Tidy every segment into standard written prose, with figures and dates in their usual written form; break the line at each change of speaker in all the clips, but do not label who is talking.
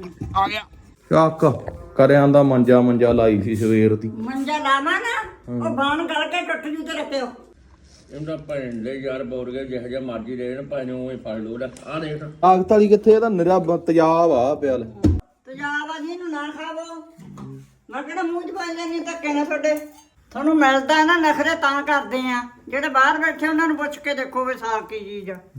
ਆ ਗਿਆ ਚੱਕ ਕਰਿਆਂ ਦਾ ਮੰਜਾ ਲਾਈ ਸੀ ਸਵੇਰ ਦੀ
ਮੰਜਾ ਲਾਵਾਂ ਨਾ ਉਹ ਬਾਣ ਗਲ ਕੇ ਟੁੱਟ ਜੂ ਤੇ ਰੱਖਿਓ
ਇਹਦਾ ਭੈਣ ਦੇ ਯਾਰ ਬੋਰ ਗਏ ਜਿਹੋ ਜਿਹਾ ਮਰਜੀ ਰਹੇ ਨਾ ਭਾਵੇਂ ਉਹ ਫੜ ਲੋ ਆ ਦੇਖ
ਤਾਕਤ ਵਾਲੀ ਕਿੱਥੇ ਇਹਦਾ ਨਿਰਾ ਤੇਜ਼ਾਬ ਆ ਪਿਆ
ਤੇਜ਼ਾਬ ਆ ਜੀ ਇਹਨੂੰ ਨਾ ਖਾਵੋ ਮੈਂ ਕਿਹੜਾ ਮੂੰਹ 'ਚ ਪਾਈ ਜਾਂਦੀ ਧੱਕੇ ਨਾਲ ਤੁਹਾਡੇ ਤੁਹਾਨੂੰ ਮਿਲਦਾ ਨਾ ਨਖਰੇ ਤਾਂ ਕਰਦੇ ਆ ਜਿਹੜੇ ਬਾਹਰ ਬੈਠੇ ਉਹਨਾਂ ਨੂੰ ਪੁੱਛ ਕੇ ਦੇਖੋ ਵੀ ਸਾਫ ਕੀ ਚੀਜ਼ ਆ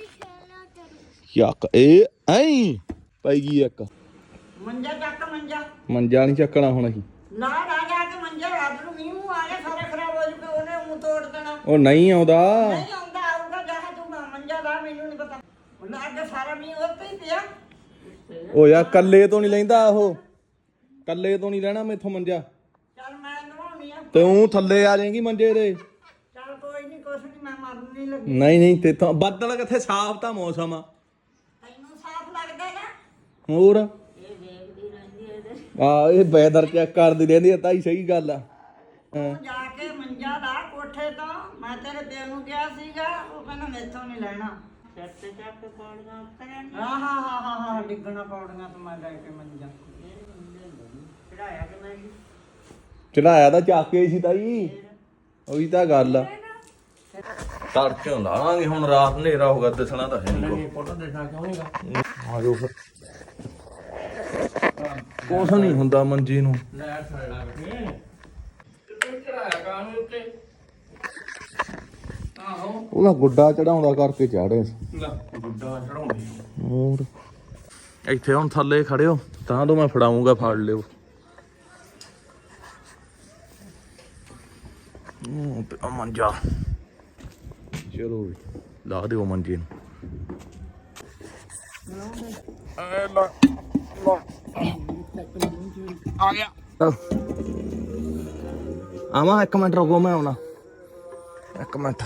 ਯਾਕ ਇਹ ਐਂ ਪਈ ਗਈ ਇੱਕ
ਮੰਜਾ ਚੱਕ
ਮੰਜਾ ਨਹੀਂ ਚੱਕਣਾ ਹੁਣ ਅਸੀਂ
ਨਾ ਜਾ ਕੇ ਮੰਜਾ ਰਾਤ ਨੂੰ ਮੀਂਹ ਮੂੰਹ ਆ ਗਿਆ ਸਾਰਾ ਖਰਾਬ ਹੋ ਜੂਗਾ ਉਹਨੇ ਮੂੰਹ ਤੋੜ ਦੇਣਾ
ਉਹ ਨਹੀਂ ਆਉਂਦਾ
ਨਹੀਂ ਆਉਂਦਾ ਆਊਗਾ ਜਾ ਤੂੰ ਮੰਜਾ ਲਾ ਮੈਨੂੰ ਨਹੀਂ ਪਤਾ ਉਹਨਾਂ ਅੱਗੇ ਸਾਰਾ ਮੀਂਹ ਉੱਤੇ ਹੀ ਪਿਆ
ਉਹ ਯਾਰ ਕੱਲੇ ਤੋਂ ਨਹੀਂ ਲੈਂਦਾ ਉਹ ਕੱਲੇ ਤੋਂ ਨਹੀਂ ਲੈਣਾ ਮੈਥੋਂ ਮੰਜਾ
ਚੱਲ ਮੈਂ ਨਵਾਉਣੀ ਆ
ਤੂੰ ਥੱਲੇ ਆ ਜਾਏਂਗੀ ਮੰਜੇ ਦੇ
ਚੱਲ ਕੋਈ ਨਹੀਂ ਕੁਛ ਨਹੀਂ ਮੈਂ ਮਰਨ ਨਹੀਂ ਲੱਗੀ
ਨਹੀਂ ਤੇਥੋਂ ਬੱਦਲ ਕਿੱਥੇ ਸਾਫ਼ ਤਾਂ ਮੌਸਮ ਆ
ਤੈਨੂੰ ਸਾਫ਼ ਲੱਗਦਾ ਨਾ
ਹੋਰ
ਇਹ ਦੇਖਦੀ ਰਹਿੰਦੀ ਇਹਦੇ
ਆ ਇਹ ਵੈਦਰ ਚੈੱਕ ਕਰਦੀ ਰਹਿੰਦੀ ਆ ਤਾਈ ਸਹੀ ਗੱਲ ਆ ਹਾਂ
ਤੂੰ ਜਾ ਕੇ ਮੰਜਾ ਲਾ ਕੋਠੇ ਤੋਂ ਮੈਂ ਤੇਰੇ ਪਿਓ ਨੂੰ ਕਿਹਾ ਸੀਗਾ ਉਹ ਕਹਿੰਦਾ ਮੈਥੋਂ ਨਹੀਂ ਲੈਣਾ ਸਿਰ ਤੇ ਚੱਕ ਕੇ ਪੌੜੀਆਂ ਉਤਰਨ ਹਾਂ ਡਿੱਗਣਾ ਪੌੜੀਆਂ ਤੋਂ ਮੈਂ ਲੈ ਕੇ ਮੰਜਾ ਚੜਾਇਆ ਕਿ ਮੈਂ
ਚੜਾਇਆ ਤਾਂ ਚੱਕ ਕੇ ਸੀ ਤਾਈ ਉਹੀ ਤਾਂ ਗੱਲ ਆ ਤੜਕੇ ਲਾਵਾਂਗੇ ਹੁਣ ਰਾਤ ਹਨੇਰਾ ਹੋਗਾ ਦਿਸਣਾ ਤਾਂ ਹੈ ਨਹੀਂ
ਫੋਟੋ ਦੇਖਣਾ ਕਿਉਂ ਨਹੀਂਗਾ
ਆ ਜਾਓ ਫਿਰ ਕੁਛ ਨਹੀਂ ਹੁੰਦਾ ਮੰਜੀ ਨੂੰ
ਲੈ ਛੜ ਲਾ ਕੇ ਤੂੰ ਚੜਾਇਆ ਕਾਹਨੂੰ ਉੱਤੇ ਆਹੋ
ਉਹਦਾ ਗੁੱਡਾ ਚੜਾਉਂਦਾ ਕਰਕੇ ਚਾੜੇ
ਲੈ ਗੁੱਡਾ ਚੜਾਉਂਦੀ
ਹੋਰ ਇੱਥੇ ਹੁਣ ਥੱਲੇ ਖੜਿਓ ਤਾਂ ਤੋਂ ਮੈਂ ਫੜਾਉਂਗਾ ਫੜ ਲਿਓ ਉਹ ਮੰਜਾ ਚਲੋ ਵੀ ਲਾ ਦਿਓ ਮੰਜੇ ਨੂੰ
ਆ ਗਿਆ
ਆਵਾਂ ਇੱਕ ਮਿੰਟ ਰੁਕੋ ਮੈਂ ਆਉਣਾ ਇੱਕ ਮਿੰਟ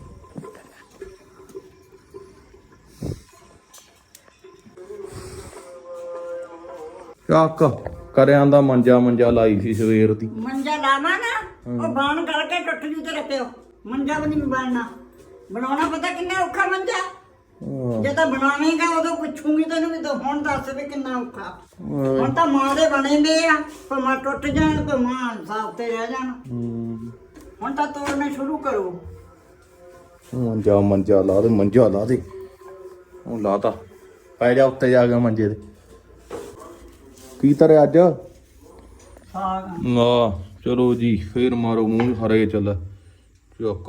ਚੱਕ ਕਰਿਆਂ ਦਾ ਮੰਜਾ ਲਾਈ ਸੀ ਸਵੇਰ ਦੀ
ਮੰਜਾ ਲਾਵਾਂ ਨਾ ਉਹ ਬਾਣ ਗਲ ਕੇ ਟੁੱਟ ਜੂ ਤੇ ਰੱਖਿਓ ਮੰਜਾ ਵੀ ਨਹੀਂ ਬਣਨਾ ਬਣਾਉਣਾ ਪਤਾ ਕਿੰਨਾ ਔਖਾ ਮੰਜਾ ਜੇ ਤਾਂ ਬਣਾਵੇਂਗਾ ਉਦੋਂ ਪੁੱਛੂਗੀ ਤੈਨੂੰ ਵੀ ਤੂੰ ਹੁਣ ਦੱਸ ਵੀ ਕਿੰਨਾ ਔਖਾ ਹੁਣ ਤਾਂ ਮਾਂ ਦੇ ਬਣੇਂਦੇ ਆ ਭਾਵੇਂ ਟੁੱਟ ਜਾਣ ਭਾਵੇਂ ਸਾਫ ਤੇ ਰਹਿ ਜਾਣ ਹੁਣ ਤਾਂ ਤੋੜਨੇ ਸ਼ੁਰੂ ਕਰੋ
ਮੰਜਾ ਲਾ ਦੇ ਉਹ ਲਾਤਾ ਪੈ ਜਾ ਉੱਤੇ ਜਾ ਕੇ ਮੰਜੇ ਦੇ ਕੀ ਤਰੇ ਅੱਜ
ਸਾਗ
ਆ ਚਲੋ ਜੀ ਫੇਰ ਮਾਰੋ ਮੂੰਹ ਹਰੇ ਚੱਲ ਚੁੱਕ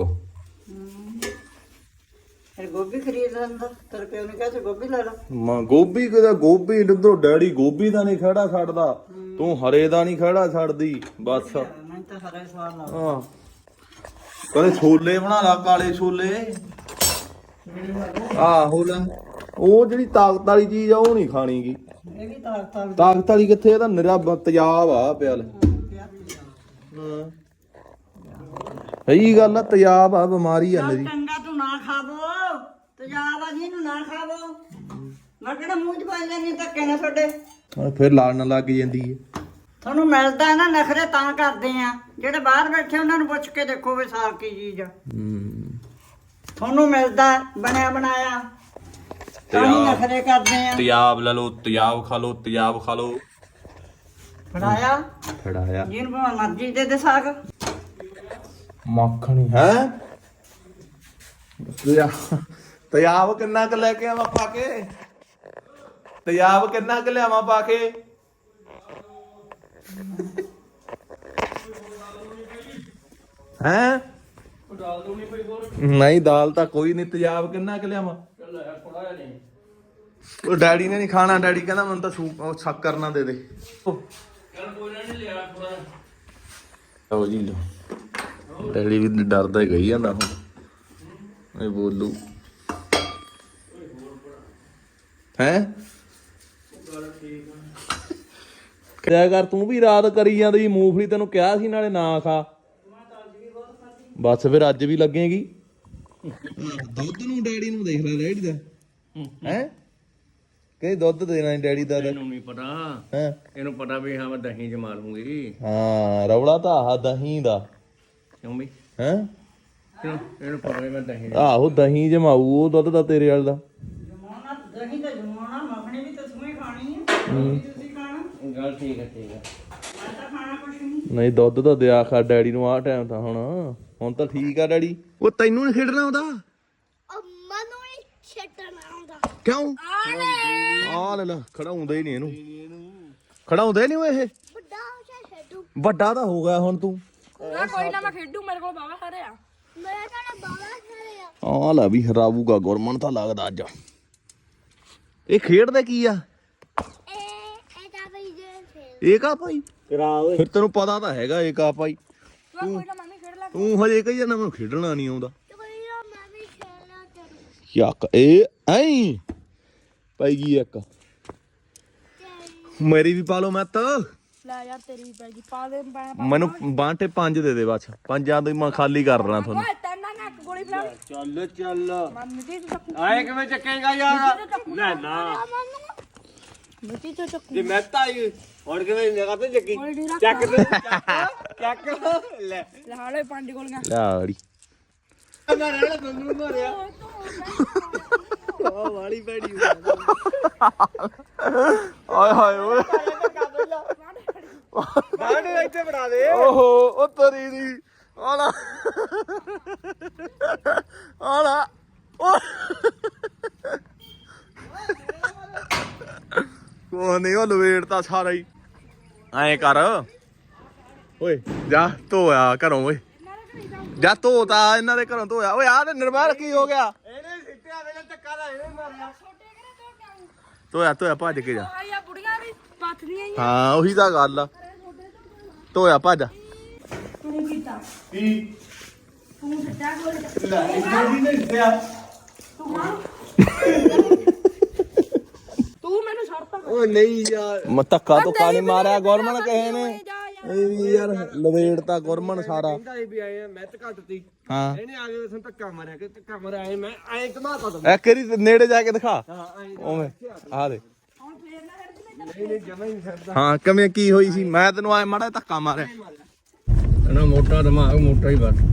ਫਿਰ ਗੋਭੀ ਖਰੀਦ ਲੈਂਦਾ ਤੇਰੇ ਪਿਓ ਨੇ ਕਿਹਾ ਸੀ ਗੋਭੀ ਲੈ ਲਾ
ਮਾਂ ਗੋਭੀ ਕਿਦਾ ਗੋਭੀ ਡੱਦੋ ਡੈਡੀ ਗੋਭੀ ਦਾ ਨਹੀਂ ਖੜਾ ਛੱਡਦਾ ਤੂੰ ਹਰੇ ਦਾ ਨਹੀਂ ਖੜਾ ਛੱਡਦੀ ਬਸ
ਮੈਨੂੰ ਤਾਂ ਹਰਾ ਹੀ ਸਵਾਦ ਲੱਗਦਾ
ਹਾਂ ਕਦੇ ਛੋਲੇ ਬਣਾ ਲਾ ਕਾਲੇ ਛੋਲੇ ਆਹੋ ਲੈ ਉਹ ਜਿਹੜੀ ਤਾਕਤ ਵਾਲੀ ਚੀਜ਼ ਆ ਉਹ ਨਹੀਂ ਖਾਣੀਗੀ
ਇਹ ਵੀ ਤਾਕਤਾਂ
ਤਾਕਤ ਵਾਲੀ ਕਿੱਥੇ ਇਹਦਾ ਨਿਰਾ ਤੇਜ਼ਾਬ ਆ ਪਿਆ ਲੈ ਹਾਂ ਸਹੀ ਗੱਲ ਆ ਤੇਜ਼ਾਬ ਆ ਬਿਮਾਰੀ ਆ ਮੇਰੀ
ਚੰਗਾ ਤੂੰ ਨਾ ਖਾਵੋ ਤੇਜ਼ਾਬ ਆ ਜੀ ਇਹਨੂੰ ਨਾ ਖਾਵੋ ਮੈਂ ਕਿਹੜਾ ਮੂੰਹ 'ਚ ਪਾਈ ਜਾਂਦੀ ਧੱਕੇ ਨਾਲ ਤੁਹਾਡੇ
ਫਿਰ ਲੜਨ ਲੱਗ ਜਾਂਦੀ ਏ
ਤੁਹਾਨੂੰ ਮਿਲਦਾ ਨਾ ਨਖਰੇ ਤਾਂ ਕਰਦੇ ਆ ਜਿਹੜੇ ਬਾਹਰ ਬੈਠੇ ਉਹਨਾਂ ਨੂੰ ਪੁੱਛ ਕੇ ਦੇਖੋ ਵੀ ਸਾਫ ਕੀ ਚੀਜ਼ ਆ ਤੁਹਾਨੂੰ ਮਿਲਦਾ ਬਣਿਆ ਬਣਾਇਆ ਤਾਂ ਹੀ ਨਖਰੇ ਕਰਦੇ ਆ
ਤੇਜ਼ਾਬ ਲੈ ਲਓ ਤੇਜ਼ਾਬ ਖਾ ਲਓ
ਫੜਾਇਆ ਜਿਹਨੂੰ ਭਾਵੇਂ ਮਰਜ਼ੀ ਦੇ ਸਾਗ
ਮੱਖਣੀ ਹੈ ਤੇਜ਼ਾਬ ਕਿੰਨਾ ਕੁ ਲੈ ਕੇ ਆਵਾਂ ਪਾ ਕੇ ਤੇਜ਼ਾਬ ਕਿੰਨਾ ਕੁ ਲਿਆਵਾਂ ਪਾ ਕੇ ਹੈ
ਦਾਲ ਦੂਣੀ ਪਈ ਹੋਰ
ਨਹੀਂ ਦਾਲ ਤਾਂ ਕੋਈ ਨਹੀਂ ਤੇਜ਼ਾਬ ਕਿੰਨਾ ਕੁ ਲਿਆਵਾਂ
ਚੱਲ ਯਾਰ ਥੋੜਾ ਜਿਹਾ ਨਹੀਂ
ਉਹ ਡੈਡੀ ਨੇ ਨਹੀਂ ਖਾਣਾ ਡੈਡੀ ਕਹਿੰਦਾ ਮੈਨੂੰ ਤਾਂ ਸ਼ੱਕਰ ਨਾ ਦੇ ਦੇ
ਚੱਲ ਕੋਈ ਨਹੀਂ ਲਿਆ ਥੋੜਾ
ਲਓ ਜੀ ਲਓ ਡੈਡੀ ਵੀ ਡਰਦਾ ਹੀ ਗਈ ਜਾਂਦਾ ਹੁਣ ਇਹ ਬੋਲੂ ਹੈ ਕਿਆ ਕਰ ਤੂੰ ਵੀ ਰਾਤ ਕਰੀ ਜਾਂਦੀ ਮੂੰਗਫਲੀ ਤੈਨੂੰ ਕਿਹਾ ਸੀ ਨਾਲੇ ਨਾ ਖਾ ਬਸ ਫਿਰ ਅੱਜ ਵੀ ਲੱਗੇਗੀ ਦੁੱਧ ਨੂੰ ਡੈਡੀ ਨੂੰ ਦੇਖ ਲੈ ਡੈਡੀ ਦਾ ਹੈ ਕਹੇ ਦੁੱਧ ਦੇਣਾ ਡੈਡੀ ਦਾ
ਇਹਨੂੰ ਨਹੀਂ ਪਤਾ
ਹੈ
ਇਹਨੂੰ ਪਤਾ ਵੀ ਹਾਂ ਮੈਂ ਦਹੀਂ ਜਮਾ ਲੂੰਗੀ
ਹਾਂ ਰੌਲਾ ਤਾਂ ਆਹ ਦਹੀਂ ਦਾ
ਕਿਉਂ ਵੀ
ਹੈ
ਇਹਨੂੰ ਪਤਾ ਵੀ ਮੈਂ ਦਹੀਂ
ਆਹੋ ਦਹੀਂ ਜਮਾਊ ਉਹ ਦੁੱਧ ਦਾ ਤੇਰੇ ਵਾਲ ਦਾ
ਜਮਾਉਣਾ ਦਹੀਂ ਤਾਂ ਜਮਾਉਣਾ ਮੱਖਣੀ ਵੀ ਤਾਂ ਤੂੰ ਹੀ ਖਾਣੀ ਹੈ
ਗੱਲ ਠੀਕ ਹੈ
ਨਹੀਂ ਦੁੱਧ ਤਾਂ ਦਿਆ ਖਾ ਡੈਡੀ ਨੂੰ ਆਹ ਟਾਈਮ ਤਾਂ ਹੁਣ ਤਾਂ ਠੀਕ ਆ ਡੈਡੀ। ਉਹ ਤੈਨੂੰ ਨਹੀਂ ਖੇਡਣਾ ਆਉਂਦਾ?
ਮੈਨੂੰ ਨਹੀਂ ਛੱਡਣਾ ਆਉਂਦਾ।
ਕਿਉਂ? ਆ ਲੈ ਖੜਾਉਂਦਾ ਹੀ ਨਹੀਂ ਇਹਨੂੰ, ਖੜਾਉਂਦੇ ਨਹੀਂ ਉਹ ਇਹ।
ਵੱਡਾ ਹੋ ਜਾ ਛੱਡੂ।
ਵੱਡਾ ਤਾਂ ਹੋ ਗਿਆ ਹੁਣ ਤੂੰ।
ਕੋਈ ਨਾ ਮੈਂ ਖੇਡੂ, ਮੇਰੇ ਕੋਲ ਬਾਵਾ ਸਾਰੇ ਆ।
ਮੈਂ ਤਾਂ ਬਾਬਾ ਖੜੇ ਆ।
ਆ ਲੈ ਵੀ ਹਰਾਵੂਗਾ ਗੁਰਮਨ ਤਾਂ ਲੱਗਦਾ ਅੱਜ। ਇਹ ਖੇਡਦੇ ਕੀ ਆ?
ਇਹ ਤਾਂ ਬਈ ਜੇ ਫੇਰ
ਏਕਾ ਭਾਈ ਕਰਾ ਓਏ। ਫਿਰ ਤੈਨੂੰ ਪਤਾ ਤਾਂ ਹੈਗਾ ਏਕਾ ਭਾਈ।
ਕੋਈ ਨਾ ਮੈਂ ਵੀ ਖੇਡ ਲਾ।
ਤੂੰ ਹਜੇ ਕਹੀ ਜਾਂਦਾ ਮੈਨੂੰ ਖੇਡਣਾ ਨਹੀਂ ਆਉਂਦਾ।
ਕੋਈ ਨਾ ਮੈਂ ਵੀ ਖੇਡਣਾ ਕਰੂ।
ਯਾਕ ਇਹ ਐਂ ਪਈ ਗਈ ਇੱਕ। ਮੇਰੀ ਵੀ ਪਾ ਲਓ ਮੈਂ ਤਾਂ।
ਲੈ ਯਾਰ ਤੇਰੀ ਵੀ ਪੈ ਗਈ, ਪਾ ਦੇ
ਮੈਨੂੰ ਬਾਂਟੇ 5 ਦੇ ਦੇ ਬਸ। ਪੰਜਾਂ ਤੋਂ ਮੈਂ ਖਾਲੀ ਕਰ ਦੇਣਾ ਤੁਹਾਨੂੰ।
ਓਏ ਤੈਨਾਂ ਨਾ ਇੱਕ ਗੋਲੀ ਫੜਾ।
ਚੱਲ
ਮਿੱਟੀ ਤੋਂ ਚੱਕੂ,
ਆਏ ਕਿਵੇਂ ਚੱਕੇਗਾ ਯਾਰ? ਲੈ ਨਾ
ਮਿੱਟੀ ਤੋਂ ਚੱਕੂ।
ਜੇ ਮੈਂ ਤਾਂ ਆਈ ਹੁਣ ਕਿਵੇਂ ਨਿਗਾਹ ਤੇ ਚੱਕੀ?
ਗੋਲੀ ਨਹੀਂ ਰੱਖ।
ਚੱਕ ਚੱਕ ਲੈ
ਲੈ ਹਾਲੇ 5 ਗੋਲੀਆਂ।
ਲੈ ਅੜੀ
ਮਾਰਿਆ ਤੁਹਾਨੂੰ ਮਾਰਿਆ ਉਹ ਵਾਲੀ ਬੈੜੀ
ਆਏ ਹਾਏ ਓਏ
ਬਾਹਰ ਇੱਥੇ ਬਣਾ ਦੇ।
ਓਹੋ ਉਹ ਤਰੀ ਦੀ ਆਲਾ ਆਲਾ ਕੋ ਨਹੀਂ ਉਹ ਲਵੇੜਤਾ ਸਾਰਾ ਹੀ। ਐਂ ਕਰ ਓਏ ਜਾ ਧੋਇਆ ਘਰੋਂ ਓਏ, ਜਾ ਧੋਤਾ ਇਹਨਾਂ ਦੇ ਘਰੋਂ ਧੋਇਆ। ਓਏ ਆਹ ਤੇ ਨਿਰਮਲ ਕੀ ਹੋ ਗਿਆ?
ਇਹਨੇ ਸਿੱਟਿਆ ਵੇਲੇ ਧੱਕਾ ਦਾ ਇਹਨੇ ਮਾਰਿਆ।
ਧੋਇਆ ਭੱਜ ਕੇ ਜਾ।
ਆਇਆ ਬੁੜੀਆਂ ਵੀ ਪੱਥਦੀਆਂ ਹੀ।
ਹਾਂ ਉਹੀ ਤਾਂ ਗੱਲ ਆ। ਧੋਇਆ ਭੱਜ।
ਤੂੰ ਕੀਤਾ
ਕੀ
ਤੂੰ ਸੱਚਾ ਗੋਲੀ
ਨਹੀਂ ਸਿੱਟਿਆ।
ਤੂੰ ਮੈਨੂੰ ਛੱਡਤਾ।
ਉਹ ਨਹੀਂ ਯਾਰ
ਮੈਂ ਧੱਕਾ ਧੁੱਕਾ ਨਹੀਂ ਮਾਰਿਆ ਗੁਰਮਨ ਕਿਸੇ ਨੇ। ਇਹ ਵੀ ਯਾਰ ਲਵੇੜਤਾ ਗੁਰਮਨ ਸਾਰਾ।
ਕਹਿੰਦਾ ਇਹ ਵੀ ਆਏ ਆ ਮੈਂ ਤਾਂ ਘੱਟਤੀ।
ਹਾਂ
ਇਹਨੇ ਆ ਕੇ ਸਾਨੂੰ ਧੱਕਾ ਮਾਰਿਆ ਕਿ ਧੱਕਾ ਮਾਰਿਆ ਐ ਮੈਂ ਐ ਘਮਾਤਾ ਤਾ।
ਇੱਕ ਵਾਰੀ ਨੇੜੇ ਜਾ ਕੇ ਦਿਖਾ
ਹਾਂ ਐ
ਉਵੇਂ ਆ ਦੇ।
ਹੁਣ ਫੇਰ ਨਾ ਹਟ ਜੀ।
ਨਹੀਂ ਨਹੀਂ ਜਮਾ ਹੀ ਨਹੀਂ ਛੱਡਦਾ।
ਹਾਂ ਕਿਵੇਂ ਕੀ ਹੋਈ ਸੀ? ਮੈਂ ਤੈਨੂੰ ਆਏ ਮਾੜਾ ਧੱਕਾ ਮਾਰਿਆ।
ਨਾ ਮੋਟਾ ਦਿਮਾਗ ਮੋਟਾ ਹੀ ਬਸ।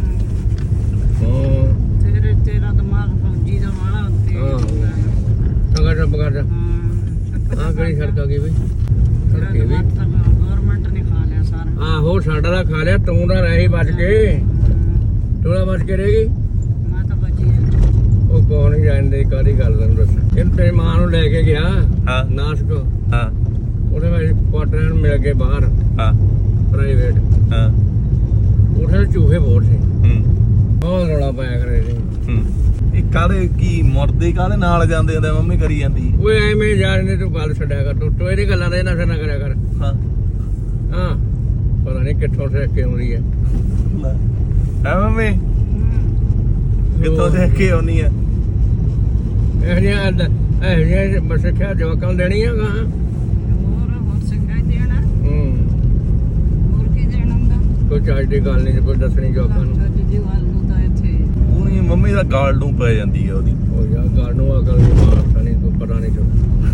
ਤੇਰਾ ਦਿਮਾਗ ਫੌਜੀ ਦਾ ਵਾਲਾ ਉੱਤੇ।
ਚੰਗਾ ਚੁੱਪ ਕਰ ਜਾ। ਆ ਕਿਹੜੀ ਸੜਕ ਆ ਗਈ ਬਈ? ਸੜਕੇ ਵੀ
ਗਵਰਨਮੈਂਟ ਨੇ ਖਾ ਲਿਆ ਸਾਰਾ।
ਆਹੋ ਸਾਡਾ ਦਾ ਖਾ ਲਿਆ, ਤੂੰ ਦਾ ਰਹੀ ਬਚ ਕੇ। ਤੂੰ ਦਾ ਬਚ ਕੇ ਰਹੇਗੀ।
ਮੈਂ ਤਾਂ ਬਚੀ
ਉਹ ਕੌਣ ਹੀ ਜਾਣਦੇ ਕਾਹਦੀ ਗੱਲ ਤੈਨੂੰ ਦੱਸ। ਇਹਨੂੰ ਤੇਰੀ ਮਾਂ ਨੂੰ ਲੈ ਕੇ ਗਿਆ
ਹਾਂ
ਨਾਸਕ।
ਹਾਂ
ਉਹਦੇ ਵਿੱਚ ਕੁਆਟਰਾਂ ਨੂੰ ਮਿਲ ਗਏ ਬਾਹਰ
ਹਾਂ
ਪ੍ਰਾਈਵੇਟ।
ਹਾਂ
ਉੱਥੇ ਚੂਹੇ ਬਹੁਤ ਸੀ।
ਹੂੰ
ਬਹੁਤ ਰੌਲਾ ਪਾਇਆ ਕਰੇ ਸੀ।
ਹੂੰ ਇਹ ਕਾਹਦੇ ਕੀ ਮੁਰਦੇ ਕਾਹਦੇ ਨਾਲ ਜਾਂਦੇ ਹੁੰਦੇ? ਮੰਮੀ ਕਰੀ ਜਾਂਦੀ।
ਓਏ ਐਵੇਂ ਜਾਣਦੇ ਤੂੰ ਗੱਲ ਛੱਡਿਆ ਕਰ। ਤੂੰ ਇਹਦੀ ਗੱਲਾਂ ਦਾ ਨਸ਼ਾ ਨਾ ਕਰਿਆ ਕਰ।
ਹਾਂ
ਹਾਂ ਪਤਾ ਨਹੀਂ ਕਿੱਥੋਂ ਸਿੱਖ ਕੇ ਆਉਂਦੀ ਹੈ।
ਹੈ ਮੰਮੀ ਕਿੱਥੋਂ ਦੇਖ ਕੇ ਆਉਣੀ ਆ?
ਇਹ ਜਿਹੀਆਂ ਬਸ ਸਿੱਖਿਆ ਜਵਾਕਾਂ ਨੂੰ ਦੇਣੀ ਆ ਗਾਂ।
ਹੋਰ ਸਿੱਖਾਈ ਦੇਣਾ। ਹੋਰ ਕੀ ਦੇਣਾ ਹੁੰਦਾ?
ਕੋਈ ਚੱਜ ਦੀ ਗੱਲ ਨਹੀਂ ਕੋਈ ਦੱਸਣੀ ਜਵਾਕਾਂ ਨੂੰ।
ਅੱਜ ਦੀ ਗੱਲ ਨੂੰ ਤਾਂ ਇੱਥੇ
ਉਹਨੀ ਮੰਮੀ ਦਾ ਗਾਲ ਨੂੰ ਪੈ ਜਾਂਦੀ ਆ ਉਹਦੀ।
ਉਹ ਯਾਰ ਗੱਲ ਨੂੰ ਅਕਲ ਨਹੀਂ ਮਾਰਦਾ ਨਹੀਂ ਤੂੰ ਪਤਾ ਨਹੀਂ ਤੂੰ।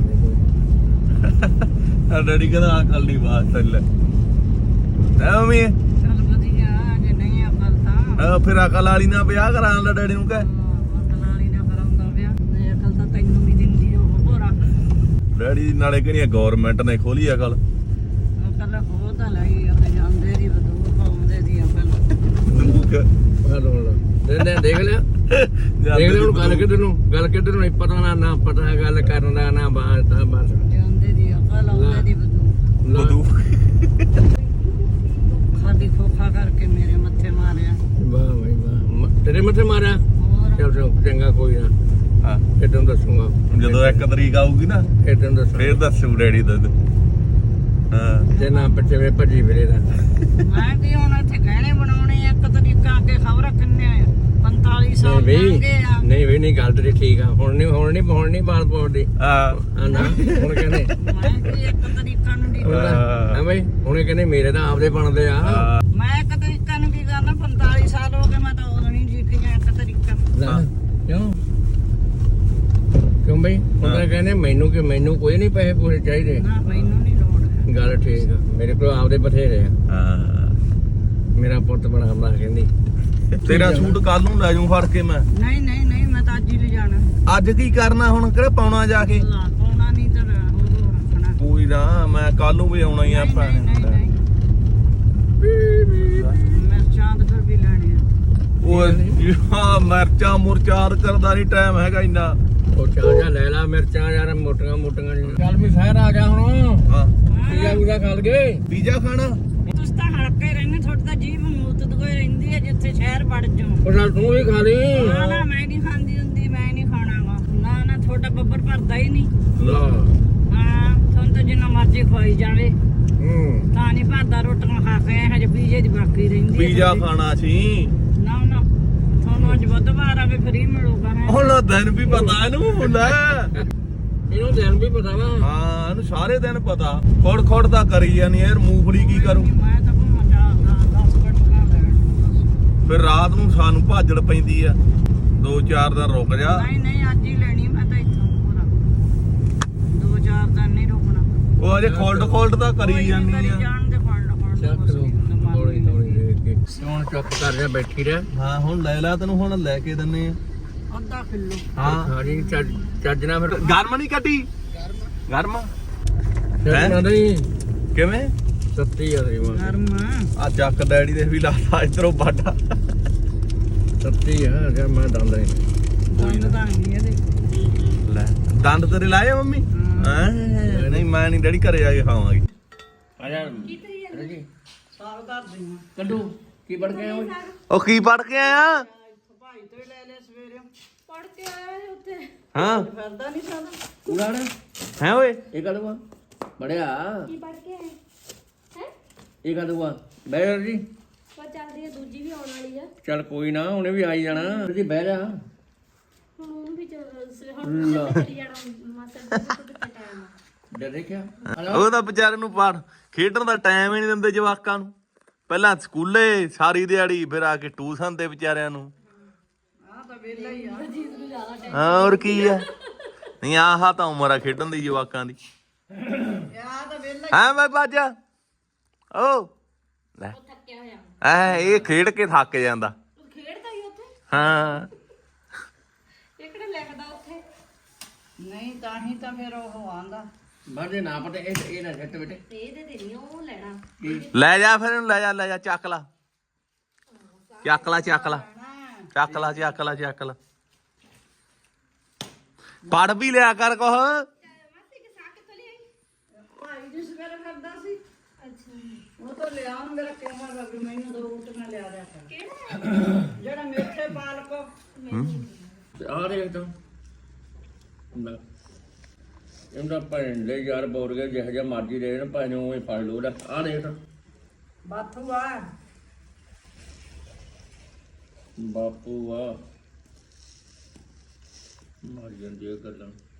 ਆ ਡੈਡੀ ਕਹਿੰਦਾ ਅਕਲ ਨਹੀਂ ਬਾਤ ਚੱਲ। ਹੈ ਮੰਮੀ
ਚੱਲ ਵਧੀਆ। ਜੇ ਨਹੀਂ ਅਕਲ ਤਾਂ
ਫਿਰ ਅਕਲ ਵਾਲੀ ਨਾਲ ਵਿਆਹ ਕਰਾਉਣ ਦਾ ਡੈਡੀ ਨੂੰ ਕਹਿ।
ਅਕਲ ਵਾਲੀ ਨਾ ਕਰਾਉਂਦਾ ਪਿਆ। ਤੇ ਅਕਲ ਤਾਂ ਤੈਨੂੰ ਵੀ ਦਿੰਦੀ ਉਹ ਹੋਰ
ਡੈਡੀ ਨਾਲੇ ਕਹਿੰਦੀ ਗਵਰਨਮੈਂਟ ਨੇ ਖੋਲੀ ਅਕਲ।
ਅਕਲ ਹੋ ਤਾਂ ਲਈ ਉਹ ਜਾਂਦੇ ਦੀ ਬਦੂ ਪਾਉਂਦੇ ਦੀ ਅਕਲ।
ਦੇਖ ਲਿਆ ਦੇਖ ਲਿਆ ਹੁਣ ਗੱਲ ਕਿੱਧਰ ਨੂੰ ਪਤਾ ਨਾ ਪਤਾ ਗੱਲ ਕਰਨ ਦਾ ਨਾ ਬਾਤ ਤਾਂ ਬਸ
ਜਾਂਦੇ ਦੀ ਅਕਲ ਆਉਂਦੇ ਦੀ ਬਦੂ।
ਬਦੂ
ਖਾਲੀ ਖੋਖਾ ਕਰਕੇ ਮੇਰੇ ਮੱਥੇ ਮਾਰਿਆ।
ਵਾਹ ਭਾਈ ਵਾਹ ਤੇਰੇ ਮੱਥੇ ਮਾਰਿਆ।
ਹੋਰ
ਚੱਲ ਚੰਗਾ ਕੋਈ ਨਾ।
ਹਾਂ
ਇਹ ਤੈਨੂੰ ਦੱਸੂਗਾ
ਜਦੋਂ 1 ਤਰੀਕ ਆਊਗੀ ਨਾ
ਇਹ ਤੈਨੂੰ ਦੱਸੂ।
ਫੇਰ ਦੱਸੂ ਡੈਡੀ ਦਾ। ਹਾਂ
ਜੇ ਨਾ ਬੱਚੇ ਵੇ ਭੱਜੀ ਫਿਰੇ ਦਾ।
ਮੈਂ ਕੀ ਹੁਣ ਇੱਥੇ ਗਹਿਣੇ ਬਣਾਉਣੇ ਆ। ਇੱਕ ਤਰੀਕਾ ਅੱਗੇ ਖਬਰ ਕਿੰਨੇ ਆ 45 ਸਾਲ
ਨਹੀਂ
ਲੰਘ ਗਏ ਆ।
ਨਹੀਂ ਨਹੀਂ ਗੱਲ ਤੇਰੀ ਠੀਕ ਆ। ਹੁਣ ਨਹੀਂ ਬਾਲ ਪਾਉਦੀ।
ਹਾਂ
ਨਾ ਹੁਣ ਕਹਿੰਦੇ
ਮੈਂ ਕੀ ਇੱਕ ਤਰੀਕਾ ਨੂੰ ਦੀ
ਹਾਂ ਬਈ ਹੁਣੇ ਕਹਿੰਦੇ ਮੇਰੇ ਤਾਂ ਆਪਦੇ ਬਣਦੇ ਆ।
ਮੈਂ ਇੱਕ ਤਰੀਕਾ ਨੂੰ ਕੀ ਕਰਨਾ 45 ਸਾਲ ਹੋ ਗਏ ਮੈਂ ਤਾਂ ਉਦੋਂ ਨਹੀਂ ਜੀਤੀਆਂ ਇੱਕ ਤਰੀਕਾ।
ਕਿਉਂ ਬਈ ਹੁਣ ਤਾਂ ਕਹਿੰਦੇ ਮੈਨੂੰ ਕੋਈ ਨਹੀਂ ਪੈਸੇ ਪੂਰੇ ਚਾਹੀਦੇ।
ਨਾ ਮੈਨੂੰ ਨਹੀਂ ਲੋੜ।
ਗੱਲ ਠੀਕ ਆ ਮੇਰੇ ਕੋਲ ਆਪਦੇ ਬਥੇਰੇ ਆ।
ਹਾਂ
ਮੇਰਾ ਪੁੱਤ ਬਣਾ ਕਹਿੰਦੀ
ਤੇਰਾ ਸੂਟ ਕੱਲ ਨੂੰ ਲੈ ਜਾਊਂ ਫੜ ਕੇ ਮੈਂ।
ਨਹੀਂ ਮੈਂ ਤਾਂ ਅੱਜ ਹੀ ਲੈ ਜਾਣਾ।
ਅੱਜ ਕੀ ਕਰਨਾ ਹੁਣ? ਕਿਹੜਾ ਪਾਉਣਾ ਜਾ ਕੇ?
ਲਾ ਪਾਉਣਾ ਨਹੀਂ ਤਾਂ ਹੋਰ
ਕੱਲ ਨੂੰ ਵੀ ਆਉਣਾ ਹੀ ਆ ਆਪਾਂ
ਮਿਰਚਾਂ ਤਾਂ ਫਿਰ ਵੀ ਲੈਣੇ ਆ
ਉਹ ਹਾਂ ਮਿਰਚਾਂ ਮੁਰਚਾਰ ਕਰਦਾ ਨਹੀਂ ਟਾਈਮ ਹੈਗਾ ਇੰਨਾ
ਉਹ ਚਾਹ ਲੈ ਲਾ ਮਿਰਚਾਂ ਯਾਰ ਮੋਟੀਆਂ ਮੋਟੀਆਂ ਚੱਲ ਵੀ ਸ਼ਹਿਰ ਆ ਗਿਆ ਹੁਣ
ਹਾਂ
ਪੀਜ਼ਾ ਖਾ ਲਗੇ
ਪੀਜ਼ਾ ਖਾਣਾ
ਤੁਸੀਂ ਤਾਂ ਹਲਕੇ ਰਹਿੰਦੇ ਤੁਹਾਡਾ ਤਾਂ ਜੀਭ ਮੂਤ ਕੋਈ ਰਹਿੰਦੀ ਹੈ ਜਿੱਥੇ ਸ਼ਹਿਰ ਵੜ ਜਾਓ
ਉਹ ਨਾਲ ਤੂੰ ਵੀ ਖਾ ਲਈ
ਨਾ ਨਾ ਮੈਂ ਨਹੀਂ ਖਾਂਦੀ ਹੁੰਦੀ ਮੈਂ ਨਹੀਂ ਖਾਣਾਗਾ ਨਾ ਨਾ ਤੁਹਾਡਾ ਬੱਬਰ ਭਰਦਾ ਹੀ ਨਹੀਂ
ਲਾ
ਹਾਂ ਤੁਹਾਨੂੰ ਤਾਂ ਜਿੰਨਾ ਮਰਜ਼ੀ ਖਵਾਈ ਜਾਵੇ
ਹੂੰ
ਤਾਂ ਨਹੀਂ ਭਰਦਾ ਰੋਟੀਆਂ ਖਾ ਕੇ ਹਜੇ ਪੀਜ਼ੇ ਦੀ ਬਾਕੀ ਰਹਿੰਦੀ ਹੈ
ਪੀਜ਼ਾ
ਤੁਹਾਡੀ।
ਖਾਣਾ ਸੀ
ਨਾ ਨਾ ਤੁਹਾਨੂੰ ਅੱਜ ਬੁੱਧਵਾਰ ਆਵੇ ਫਰੀ ਮਿਲੂਗਾ ਹੈ
ਹੁਣ ਦਿਨ ਵੀ ਪਤਾ ਇਹਨੂੰ ਲੈ
ਇਹਨੂੰ ਦਿਨ ਵੀ ਪਤਾ ਵਾ
ਹਾਂ ਇਹਨੂੰ ਸਾਰੇ ਦਿਨ ਪਤਾ ਖੋੜ ਖੋੜ ਤਾਂ ਕਰੀ ਜਾਨੀ ਯਾਰ ਮੂੰਗਫਲੀ ਕੀ ਕਰੂ
ਮੈਂ ਤਾਂ ਘੁੰਮਣ ਜਾ 10 ਮਿੰਟ ਨਾ ਲੈਣ
ਫਿਰ ਰਾਤ ਨੂੰ ਸਾਨੂੰ ਭਾਜੜ ਪੈਂਦੀ ਆ 2-4 ਦਿਨ ਰੁਕ ਜਾ
ਨਹੀਂ ਨਹੀਂ ਅੱਜ ਹੀ ਲੈਣੀ ਮੈਂ ਤਾਂ ਇੱਥੋਂ ਪੂਰਾ 2-4 ਦਿਨ ਨਹੀਂ ਰੁਕਣਾ
ਉਹ ਅਜੇ ਖੋਲਡ ਤਾਂ ਕਰੀ ਜਾਨੀ
ਕਰੀ
ਆ
ਜਾਣ ਦੇ ਫੜ
ਚੱਕ ਲੋ ਥੋੜੀ ਥੋੜੀ ਦੇਖ ਕੇ ਹੁਣ ਚੁੱਪ ਕਰ ਜਾ ਬੈਠੀ ਰਹਿ
ਹਾਂ ਹੁਣ ਲੈ ਲਾ ਤੈਨੂੰ ਹੁਣ ਲੈ ਕੇ ਦਿੰਨੇ ਆ
ਅੱਧਾ ਕਿਲੋ
ਹਾਂ
ਸਾਰੀ ਚੱਜ ਨਾ ਫਿਰ
ਗਰਮ ਨਹੀਂ ਕੱਢੀ ਗਰਮ
ਚੱਜ ਨਹੀਂ
ਕਿਵੇਂ
ਸੱਤੀ ਆ ਤੇਰੀ ਮਾਂ
ਗਰਮ
ਆ ਚੱਕ ਡੈਡੀ ਦੇ ਵੀ ਲਾਤਾ ਇਧਰੋਂ ਬਾਡਾ
ਸੱਤੀ ਆ ਯਾਰ ਮੈਂ ਦੰਦ ਨਹੀਂ
ਦੰਦ ਤਾਂ ਨਹੀਂ ਇਹਦੇ
ਲੈ ਦੰਦ ਤੇਰੇ ਲਾਏ ਆ ਮੰਮੀ ਹਾਂ ਨਹੀਂ ਮੈਂ ਨਹੀਂ ਡੈਡੀ ਘਰੇ ਜਾ ਕੇ ਖਾਵਾਂਗੀ
ਆ ਜਾ ਜੀ
ਸਾਗ ਧਰ ਦਿੰਦਾ
ਕੱਢੂ ਕੀ ਪੜ ਕੇ ਓਏ
ਉਹ ਕੀ ਪੜ ਕੇ ਆਇਆ
ਭਾਈ ਤੋਂ ਹੀ ਲੈ ਲੈ ਸਵੇਰੇ
ਪੜ ਕੇ ਆਇਆ ਉੱਥੇ
ਹਾਂ
ਫਿਰਦਾ ਨਹੀਂ ਸਾਡਾ
ਉੜਾੜ
ਹੈ ਓਏ
ਇਹ ਕਦੂਆ ਬੜਿਆ
ਕੀ ਪੜ ਕੇ ਆਏ ਹੈ
ਇਹ ਕਦੂਆ ਬਹਿ ਜੀ
ਪਰ ਚੱਲਦੀ ਹੈ ਦੂਜੀ ਵੀ ਆਉਣ ਵਾਲੀ ਆ
ਚੱਲ ਕੋਈ ਨਾ ਉਹਨੇ ਵੀ ਆਈ ਜਾਣਾ ਜੀ ਬਹਿ ਜਾ
ਹੁਣ ਉਹਨੂੰ ਵੀ ਹੁਣ
ਲਾ।
ਚੱਲੀ ਜਾਣਾ ਮਾਸਟਰ ਜੀ ਕਿੱਥੇ ਟਾਈਮ ਆ
ਡਰ ਦੇਖਿਆ
ਉਹ ਤਾਂ ਵਿਚਾਰੇ ਨੂੰ ਪੜ ਖੇਡਣ ਦਾ ਟਾਈਮ ਹੀ ਨਹੀਂ ਦਿੰਦੇ ਜਵਾਕਾਂ ਨੂੰ ਪਹਿਲਾਂ ਸਕੂਲੇ ਸਾਰੀ ਦਿਹਾੜੀ ਫਿਰ ਆ ਕੇ ਟਿਊਸ਼ਨ ਤੇ ਵਿਚਾਰਿਆਂ ਨੂੰ
ਆਹ ਤਾਂ ਵੇਲਾ ਹੀ ਆ
ਹਾਂ ਹੋਰ ਕੀ ਆ ਨਹੀਂ ਆਹ ਤਾਂ ਉਮਰ ਆ ਖੇਡਣ ਦੀ ਜਵਾਕਾਂ ਦੀ
ਆਹ ਤਾਂ ਵੇਲਾ
ਹਾਂ ਮੈਂ ਬਾਜਾ ਓ ਲੈ
ਥੱਕਿਆ ਹੋਇਆ
ਐ ਇਹ ਖੇਡ ਕੇ ਥੱਕ ਜਾਂਦਾ
ਤੂੰ ਖੇਡਦਾ ਹੀ ਉੱਥੇ
ਹਾਂ
ਇਹ ਕਿਹੜਾ ਲਿਖਦਾ ਉੱਥੇ
ਨਹੀਂ ਤਾਂ ਹੀ ਤਾਂ ਫਿਰ ਉਹ ਆਂਦਾ
ਬਾਦੇ ਨਾ ਪਤਾ ਇਹ ਨਾ ਛੱਟ ਬੇਟੇ
ਤੇ ਇਹਦੇ ਤੇ ਨਹੀਂ ਉਹ ਲੈਣਾ
ਲੈ ਜਾ ਫਿਰ ਇਹਨੂੰ ਲੈ ਜਾ ਚੱਕ ਲਾ ਚੱਕ ਲਾ ਚੱਕ ਲਾ ਚੱਕ ਲਾ ਚੱਕ ਲਾ ਚੱਕ ਲਾ ਪੜ ਵੀ ਲਿਆ ਕਰ ਕੁਛ
ਭਾਈ ਜੀ ਸਵੇਰੇ ਕਰਦਾ ਸੀ
ਅੱਛਾ
ਉਹ ਤਾਂ ਲਿਆ ਉਹਨੂੰ ਮੇਰਾ ਕਿਹਾ ਵਾ ਵੀ ਮੈਨੂੰ ਦੋ ਰੋਟੀਆਂ ਲਿਆ ਦਿਆ ਕਰ
ਕਿਹੜਾ
ਜਿਹੜਾ ਮੇਥੇ ਪਾਲਕ
ਆ ਦੇਖ ਤੂੰ ਲੈ ਇਹਦਾ ਭੈਣ ਦੇ ਯਾਰ ਬੋਰ ਗਿਆ ਜਿਹੋ ਜਿਹਾ ਮਰਜੀ ਦੇ ਨਾ ਭਾਵੇਂ ਉਹ ਫੜ ਲੋ ਲੈ ਆ ਦੇਖ
ਬਾਥੂ ਆ
ਬਾਪੂ ਆ ਮਾਰ ਜਾਂਦੀ ਇਹ ਗੱਲਾਂ